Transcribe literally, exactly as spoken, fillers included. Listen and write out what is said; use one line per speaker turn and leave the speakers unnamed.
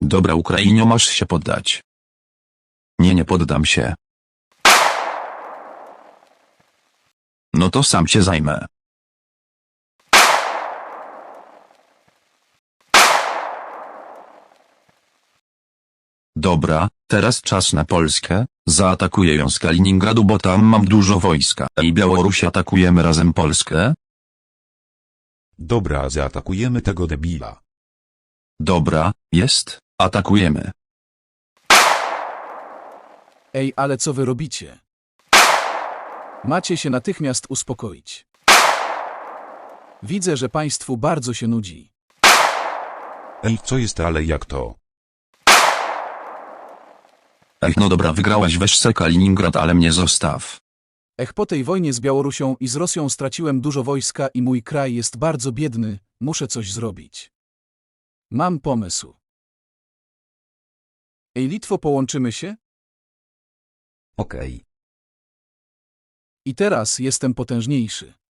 Dobra Ukrainio, masz się poddać. Nie, nie poddam się. No to sam się zajmę. Dobra, teraz czas na Polskę. Zaatakuję ją z Kaliningradu, bo tam mam dużo wojska. I Białoruś, atakujemy razem Polskę?
Dobra, zaatakujemy tego debila.
Dobra, jest, atakujemy.
Ej, ale co wy robicie? Macie się natychmiast uspokoić. Widzę, że państwu bardzo się nudzi.
Ej, co jest, ale jak to?
Ech, no dobra, wygrałaś, weź se Kaliningrad, ale mnie zostaw.
Ech, po tej wojnie z Białorusią i z Rosją straciłem dużo wojska i mój kraj jest bardzo biedny, muszę coś zrobić. Mam pomysł. Ej, Litwo, połączymy się?
Okej.
I teraz jestem potężniejszy.